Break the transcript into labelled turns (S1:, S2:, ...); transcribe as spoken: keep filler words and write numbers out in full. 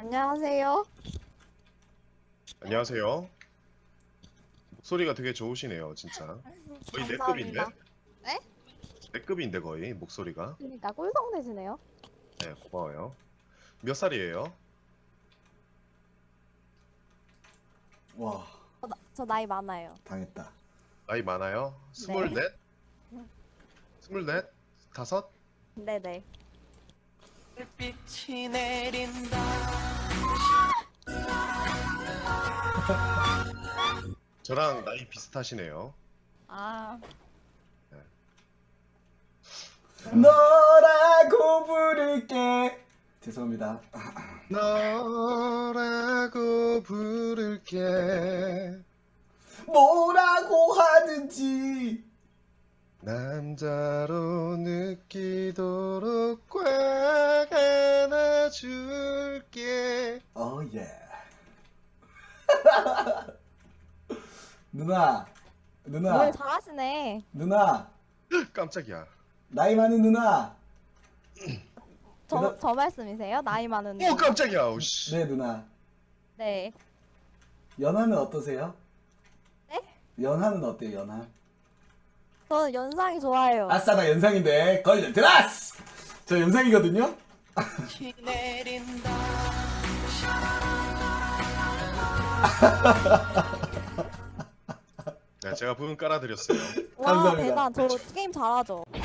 S1: 안녕하세요.
S2: 안녕하세요. 목소리가 되게 좋으시네요, 진짜. 거의 내 급인데?
S1: 감사합니다. 네?
S2: 내 급인데 거의 목소리가.
S1: 그러니까 꿀성 되시네요.
S2: 네, 고마워요. 몇 살이에요?
S3: 와,
S1: 저, 나, 저 나이 많아요.
S3: 당했다.
S2: 나이 많아요? 스물넷? 스물넷? 다섯?
S1: 네네.
S4: 빛이 내린다.
S2: 저랑 나이 비슷하시네요.
S1: 아,
S3: 너라고 부를게. 죄송합니다.
S2: 너라고 부를게.
S3: 뭐라고 하든지.
S2: 남자로 느끼도록 꽉 안아줄게.
S3: 어 예. 누나, 누나,
S1: 노래 잘하시네.
S3: 누나.
S2: 깜짝이야.
S3: 나이 많은 누나.
S1: 저,
S3: 대답-
S1: 저 말씀이세요? 나이 많은.
S2: 오 깜짝이야. 오씨.
S3: 네 누나.
S1: 네.
S3: 연하는 어떠세요?
S1: 네?
S3: 연하는 어때요 연하?
S1: 저는 연상이 좋아요.
S3: 아싸 나 연상인데 걸려 들었어. 저 연상이거든요.
S4: 빛이 내린다.
S2: 네, 제가 부분 깔아드렸어요.
S1: 와,
S3: 감사합니다.
S1: 대단. 저 게임 잘하죠.